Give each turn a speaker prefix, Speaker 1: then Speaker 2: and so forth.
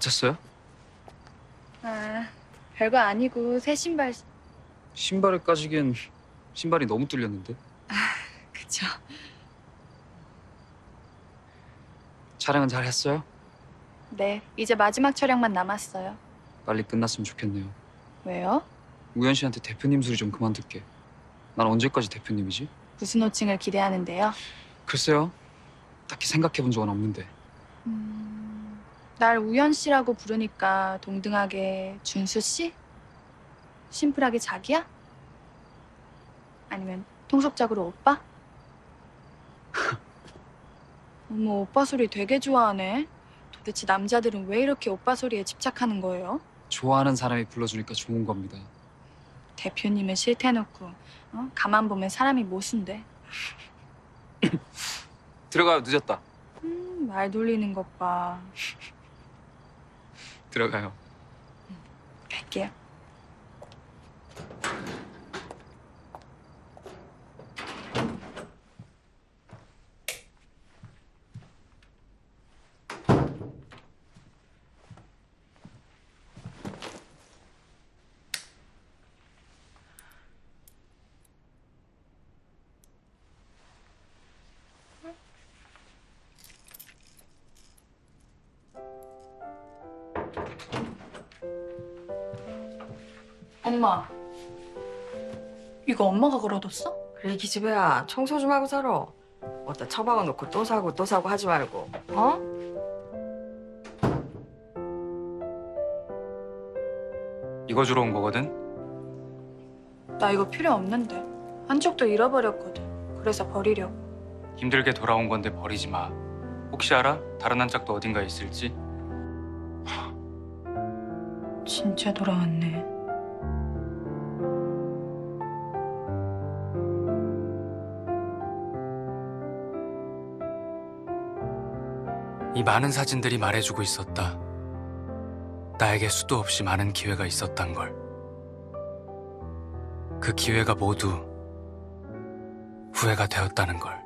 Speaker 1: 다쳤어요?
Speaker 2: 아, 별거 아니고 새 신발.
Speaker 1: 신발에 까지기엔 신발이 너무 뚫렸는데.
Speaker 2: 그쵸.
Speaker 1: 촬영은 잘 했어요?
Speaker 2: 네, 이제 마지막 촬영만 남았어요.
Speaker 1: 빨리 끝났으면 좋겠네요.
Speaker 2: 왜요?
Speaker 1: 우연 씨한테 대표님 소리 좀 그만 듣게. 난 언제까지 대표님이지?
Speaker 2: 무슨 호칭을 기대하는데요?
Speaker 1: 글쎄요. 딱히 생각해 본 적은 없는데.
Speaker 2: 날 우연 씨라고 부르니까 동등하게 준수 씨? 심플하게 자기야? 아니면 통속적으로 오빠? 어머, 오빠 소리 되게 좋아하네. 도대체 남자들은 왜 이렇게 오빠 소리에 집착하는 거예요?
Speaker 1: 좋아하는 사람이 불러주니까 좋은 겁니다.
Speaker 2: 대표님은 싫대놓고 가만 보면 사람이 모순돼.
Speaker 1: 들어가요. 늦었다.
Speaker 2: 말 돌리는 것 봐.
Speaker 1: 들어가요.
Speaker 2: 갈게요. 엄마, 이거 엄마가 걸어뒀어?
Speaker 3: 그래 기집애야 청소 좀 하고 살아. 어디다 처박아 놓고 또 사고 하지 말고 어?
Speaker 4: 이거 주러 온 거거든?
Speaker 2: 나 이거 필요 없는데. 한쪽도 잃어버렸거든. 그래서 버리려고.
Speaker 4: 힘들게 돌아온 건데 버리지 마. 혹시 알아? 다른 한 짝도 어딘가에 있을지?
Speaker 2: 진짜 돌아왔네.
Speaker 4: 이 많은 사진들이 말해주고 있었다. 나에게 수도 없이 많은 기회가 있었단 걸. 그 기회가 모두 후회가 되었다는 걸.